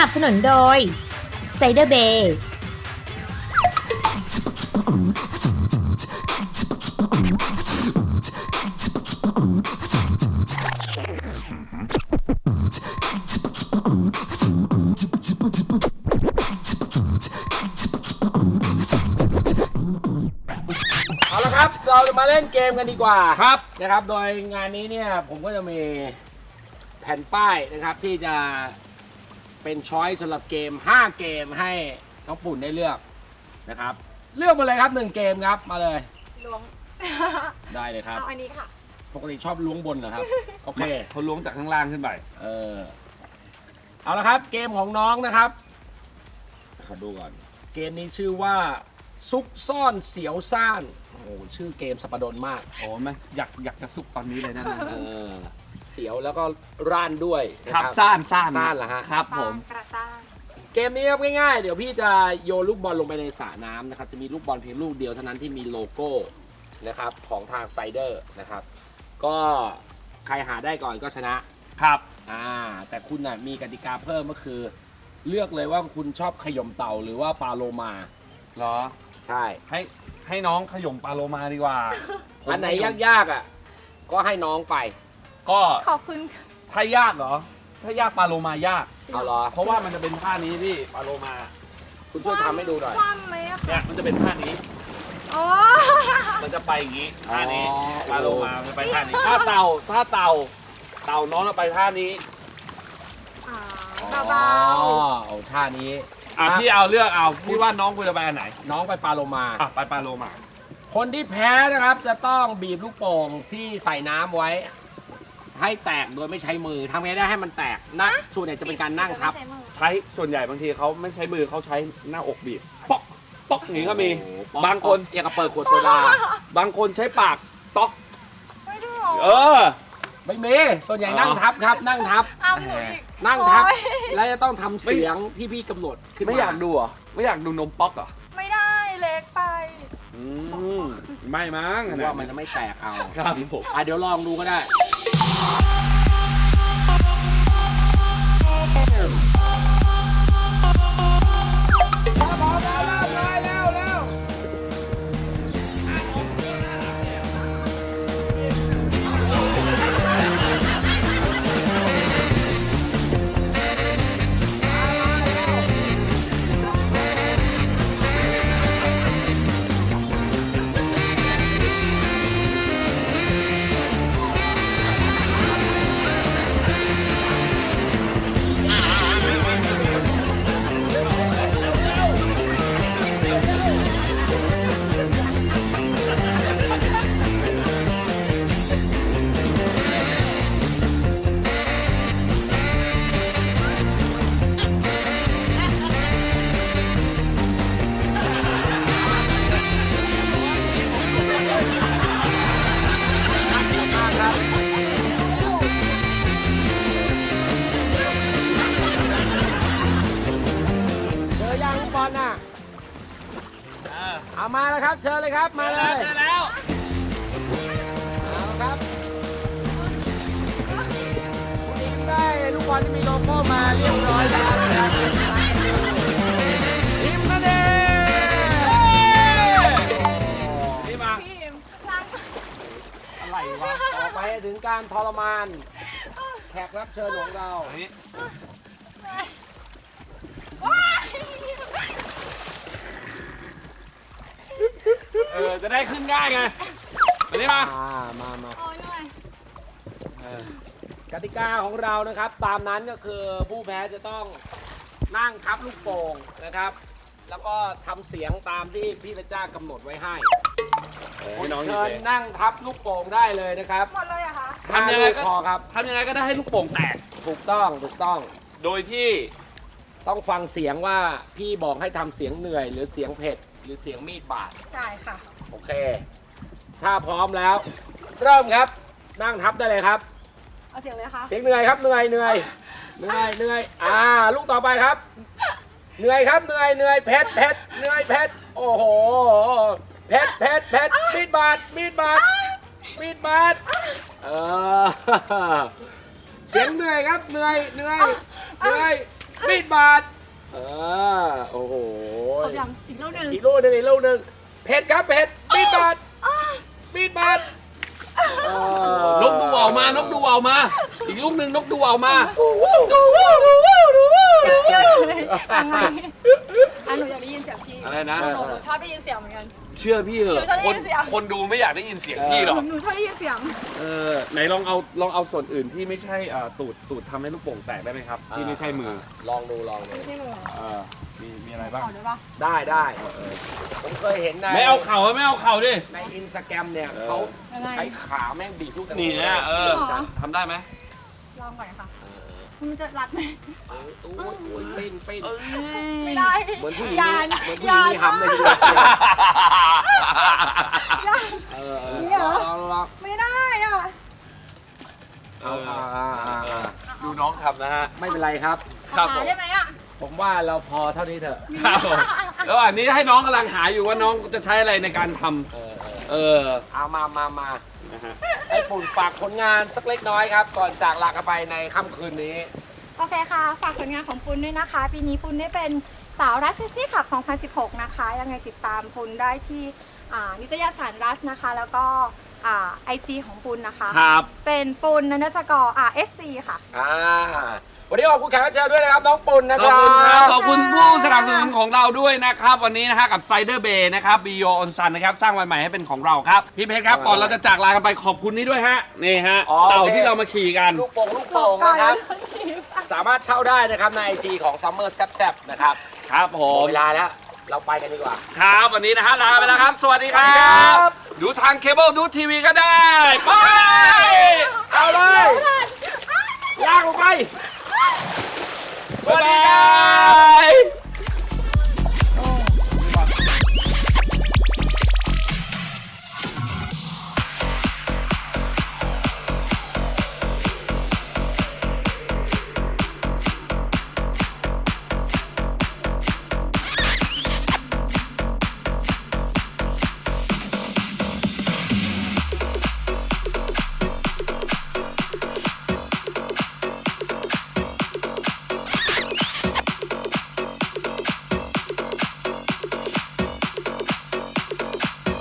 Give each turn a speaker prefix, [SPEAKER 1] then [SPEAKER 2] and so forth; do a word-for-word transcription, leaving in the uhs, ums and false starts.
[SPEAKER 1] นับสนุนโดยไซเดอร์เบย์
[SPEAKER 2] เอาละครับเราจะมาเล่นเกมกันดีกว่าครับนะครับโดยงานนี้เนี่ยผมก็จะมีแผ่นป้ายนะครับที่จะเป็นช้อยสำหรับเกมห้าเกมให้น้องปุ่นได้เลือกนะครับเลือกมาเลยครับหนึ่งเกมครับมาเลย
[SPEAKER 3] ล้วง
[SPEAKER 2] ได้เลยครับ
[SPEAKER 3] เอาอันนี้ค่ะ
[SPEAKER 2] ปกติชอบล้วงบนเหรอครับโอเค
[SPEAKER 4] เขาล้วงจากข้างล่างขึ้นไป
[SPEAKER 2] เออเอาละครับเกมของน้องนะครับขอดูก่อนเกมนี้ชื่อว่าซุกซ่อนเสียวซ่านโอ้โหชื่อเกมสัปดนมาก
[SPEAKER 4] โอ้ไหมอยากอยากจะสุกตอนนี้เลยนะ
[SPEAKER 2] เออเสียวแล้วก็ร่านด้วยนะครับ
[SPEAKER 4] ซ่านซ่าน
[SPEAKER 2] ซ่านเหรอฮะ
[SPEAKER 4] ครับผม
[SPEAKER 3] กระซ่าง
[SPEAKER 2] เกมนี้ครับง่ายๆเดี๋ยวพี่จะโยนลูกบอลลงไปในสระน้ำนะครับจะมีลูกบอลเพียงลูกเดียวเท่านั้นที่มีโลโก้นะครับของทางไซเดอร์นะครับก็ใครหาได้ก่อนก็ชนะครับ อ่าแต่คุณน่ะมีกติกาเพิ่มก็คือ เลือกเลยว่าคุณชอบขยมเต่าหรือว่าปลาโลมา
[SPEAKER 4] เหรอ
[SPEAKER 2] ใช่
[SPEAKER 4] ให้ให้น้องขยมปลาโลมาดีกว่า
[SPEAKER 2] อันไหนยากๆอ่ะก็ให้น้องไป
[SPEAKER 4] ก็
[SPEAKER 3] ขอบคุณค่ะ
[SPEAKER 4] ถ้ายากเหรอ ถ้ายากปลาโลมายาก
[SPEAKER 2] เอาเหรอ
[SPEAKER 4] เพราะว่ามันจะเป็นท่านี้พี่ปลาโลมา
[SPEAKER 2] คุณช่วยทำให้ดูหน่อย
[SPEAKER 3] คว่ำไหมอะ
[SPEAKER 4] เนี่ยมันจะเป็นท่านี้
[SPEAKER 3] อ๋อ
[SPEAKER 4] มันจะไปอย่างนี้ท่านี้
[SPEAKER 2] อ๋อ
[SPEAKER 4] ปลาโลมามันจะไปท่านี้ท่าเต่าท่าเต่าเต่าน้องจะไปท่านี้
[SPEAKER 3] อ่าเบา
[SPEAKER 2] อ๋อเอาท่านี้
[SPEAKER 4] อ่ะพี่เอาเลือกเอาพี่ว่าน้องควรจะไปอันไหน
[SPEAKER 2] น้องไปปลาโลมา
[SPEAKER 4] อ่ะไปปลาโลมา
[SPEAKER 2] คนที่แพ้นะครับจะต้องบีบลูกโป่งที่ใส่น้ำไว้ ให้แตกโดยไม่ใช้มือทำไงได้ให้มันแตกนะส่วนใหญ่จะเป็นการนั่งทับ
[SPEAKER 3] ไม่ใช่มือ
[SPEAKER 4] ใช้ส่วนใหญ่บางทีเขาไม่ใช้มือเขาใช้หน้าอกบีบป๊อกป๊อกอย่างนี้ก็มี
[SPEAKER 2] โอ้โหป๊อก
[SPEAKER 4] บางคน
[SPEAKER 2] อยากกับเปิดขวดโซดา
[SPEAKER 4] บางคนใช้ปากต๊อก
[SPEAKER 3] ไม่ได้หรอ
[SPEAKER 4] เออ
[SPEAKER 2] ไม่มีส่วนใหญ่นั่งทับครับ นั่งทับ
[SPEAKER 3] อ้าวหนูอีก
[SPEAKER 2] นั่งทับ
[SPEAKER 3] โอ๊ย
[SPEAKER 2] แล้วจะต้องทำเสียงที่พี่กำหนดขึ้นมา
[SPEAKER 4] ไม่อยากดูเหรอไม่อยากดูนมป๊อกเหรอ
[SPEAKER 3] ไม่ได้เล็กไป
[SPEAKER 4] อืมไม่มั้ง
[SPEAKER 2] ว่ามันจะไม่แตกเอา
[SPEAKER 4] ครับผม
[SPEAKER 2] อ่ะเดี๋ยวลองดูก็ได้ เจอยังลูกบอลน่ะเอามาแล้วครับ เชิญเลยครับ มาเลย
[SPEAKER 4] เจอแล้ว
[SPEAKER 2] เอาครับคุณอิงได้ลูกบอลที่มีโลโก้มาเรียบร้อยแล้วนะครับทีมนั่นเอง
[SPEAKER 4] นี่มา
[SPEAKER 3] พี่อิมล้าง
[SPEAKER 4] อะไรวะ
[SPEAKER 2] ต่อไปถึงการทรมาน แขกรับเชิญของเรา
[SPEAKER 4] อันนี้
[SPEAKER 3] ว้าย
[SPEAKER 4] เออจะได้ขึ้นง่ายไงอันนี้มา
[SPEAKER 2] อ่ามามา
[SPEAKER 3] โอ้ยหน่อย
[SPEAKER 4] เออก
[SPEAKER 2] ติกาของเรานะครับ ตามนั้นก็คือผู้แพ้จะต้องนั่งทับลูกโป่งนะครับ แล้วก็ทำเสียงตามที่พี่เพชรจ้ากำหนดไว้ให้
[SPEAKER 4] ให้น้องอยู่
[SPEAKER 2] เชิญ
[SPEAKER 4] เลย
[SPEAKER 2] นั่งทับลูกโป่งได้เลยนะครับ
[SPEAKER 3] หมดเลยเหรอะคะ
[SPEAKER 4] ทำยังไงก็
[SPEAKER 2] พอครับ
[SPEAKER 4] ทำยังไงก็ได้ให้ลูกโป่งแตก
[SPEAKER 2] ถูกต้องถูกต้อง
[SPEAKER 4] โดยที่
[SPEAKER 2] ต้องฟังเสียงว่าพี่บอกให้ทำเสียงเหนื่อย หรือเสียงเผ็ดหรือเสียงมีดบาด
[SPEAKER 3] จ่ายค่ะ
[SPEAKER 2] โอเค ถ้าพร้อมแล้ว เริ่มครับ นั่งทับได้เลยครับ
[SPEAKER 3] เอาเสียงเลยนะคะ
[SPEAKER 2] เสียงเหนื่อยครับเหนื่อยเหนื่อยเหนื่อยเหนื่อยอ่าลูกต่อไปครับ เหนื่อยครับเหนื่อยเหนื่อยเผ็ดเผ็ดเหนื่อยเผ็ดโอ้โหเผ็ดเผ็ดเผ็ดมีดบาดมีดบาดมีดบาดเออเสียงเหนื่อยครับเหนื่อยเหนื่อยเหนื่อยมีดบาดเออโอ้โห
[SPEAKER 3] ขอบยังอีกลูกหนึ่ง
[SPEAKER 2] อีกลูกหนึ่งอีกลูกหนึ่งเผ็ดครับเผ็ดมีดบาดมีดบาดเออน
[SPEAKER 4] กดูว่าวมานกดูว่าวมา อีกลูกหนึ่งนกดูว่าวมา
[SPEAKER 3] ยังไงอ่ะหนูอยากได้ยินเสียงพี่
[SPEAKER 4] อะไรนะ
[SPEAKER 3] หนูหนูชอบได้ยินเสียงเหมือนกัน
[SPEAKER 4] เชื่อพี่เหอะ
[SPEAKER 3] หนูชอบได้
[SPEAKER 4] คน
[SPEAKER 3] ยินเสียง
[SPEAKER 4] คนดูไม่อยากได้ยินเสียงพี่หรอก
[SPEAKER 3] หนูชอบได้ยินเสียง
[SPEAKER 4] เออไหนลองเอาลองเอาส่วนอื่นที่ไม่ใช่อ่าตูดตูดทำให้ลูกโป่งแตกได้ไหมครับ ที่ไม่ใช่มือ
[SPEAKER 2] ลองดูลองดู
[SPEAKER 3] ไม่ใช่มือ
[SPEAKER 4] เออมีมีอะไรบ้าง
[SPEAKER 3] ขอได้ปะ
[SPEAKER 2] ได้ได้ผมเคยเห็นใน
[SPEAKER 4] ไม่เอาเข่าไม่เอาเข่าดิ
[SPEAKER 2] ในอินสตาแกรมเนี่ย
[SPEAKER 4] เออ
[SPEAKER 2] เขา
[SPEAKER 3] ยังไง
[SPEAKER 2] ใช้ขาแม่งบีบลูกแตงโม
[SPEAKER 4] นี่นะเออ
[SPEAKER 3] จริงเหรอ
[SPEAKER 4] ทำได้ไหม
[SPEAKER 3] ลองก่อนค่ะมันจะรัดไหม
[SPEAKER 2] เออโอ้ยโอ้ยปิ้นปิ้น
[SPEAKER 3] ไม่ได้
[SPEAKER 2] เหมือนผู้หญิง
[SPEAKER 3] ยาน
[SPEAKER 2] เหมือนผู้หญิงมี
[SPEAKER 3] ยาน
[SPEAKER 2] หำในทีเดียวเชียว
[SPEAKER 3] ยาน
[SPEAKER 2] เออเออ
[SPEAKER 3] นี่เหรอ
[SPEAKER 2] ลองลอง
[SPEAKER 3] ไม่ได้อ่ะ
[SPEAKER 2] เอาอ่าอ่าอ่าอ่า
[SPEAKER 4] ดูน้องทำนะฮะ
[SPEAKER 2] ไม่เป็นไรครับ
[SPEAKER 4] ครับผม
[SPEAKER 3] หาได้ไหมอ่ะ
[SPEAKER 2] ผมว่าเราพอเท่านี้เถอะ
[SPEAKER 4] ครับผมแล้วอันนี้ให้น้องกำลังหาอยู่ว่าน้องจะใช้อะไรในการท
[SPEAKER 2] เออเออ
[SPEAKER 4] ำเออ
[SPEAKER 2] เอามามามา
[SPEAKER 4] นะฮะ
[SPEAKER 2] ให้ปุ่นฝากผลงานสักเล็กน้อยครับ ก่อนจากลากันไปในค่ำคืนนี้
[SPEAKER 3] โอเคค่ะ ฝากผลงานของปุณด้วยนะคะ ปีนี้ปุณได้เป็นสาวรัสซิซี่ขับ สองพันสิบหก นะคะ ยังไงติดตามปุณได้ที่อ่านิตยสารรัสนะคะ แล้วก็ไอจีของปุณนะคะ
[SPEAKER 4] ครับ
[SPEAKER 3] เป็นปุณนันสกอร์อ่าเอสซีค่ะ
[SPEAKER 2] อ่า วันนี้ขอบคุณแขกรับเชิญด้วยนะครับ น้องปุ่นนะ
[SPEAKER 4] ข
[SPEAKER 2] ค
[SPEAKER 4] อบ
[SPEAKER 2] รับ
[SPEAKER 4] คุณครับ ขอบคุณผู้สนับสนุนของเราด้วยนะครับ วันนี้นะฮะกับไซเดอร์เบย์นะครับบีโอออนซันนะครับ สร้างวันใหม่ให้เป็นของเราครับ พี่เพชรครับ ก่อนเราจะจากลากันไปขอบคุณนี่ด้วยฮะ นี่ฮะ
[SPEAKER 2] อ๋อ
[SPEAKER 4] เต่า
[SPEAKER 2] โอเค
[SPEAKER 4] ที่เรามาขี่กัน
[SPEAKER 2] ลูกโป่งลูกโป่งนะครับ สามารถเช่าได้นะครับในไอจีของ Summer แซบๆนะครับ
[SPEAKER 4] ครับผ
[SPEAKER 2] หมด
[SPEAKER 4] ม
[SPEAKER 2] เวลาแล้ว เราไปกันดีกว่า
[SPEAKER 4] ครับ วันนี้นะฮะลาไปแล้วครับ สวัสดีครั
[SPEAKER 2] ครับ บ
[SPEAKER 4] ดูทางเคเบิลดูทีวีก็ได้ ไป
[SPEAKER 2] เอาเลยลากลงไป สวัสดีครับ
[SPEAKER 4] บ๊ายบาย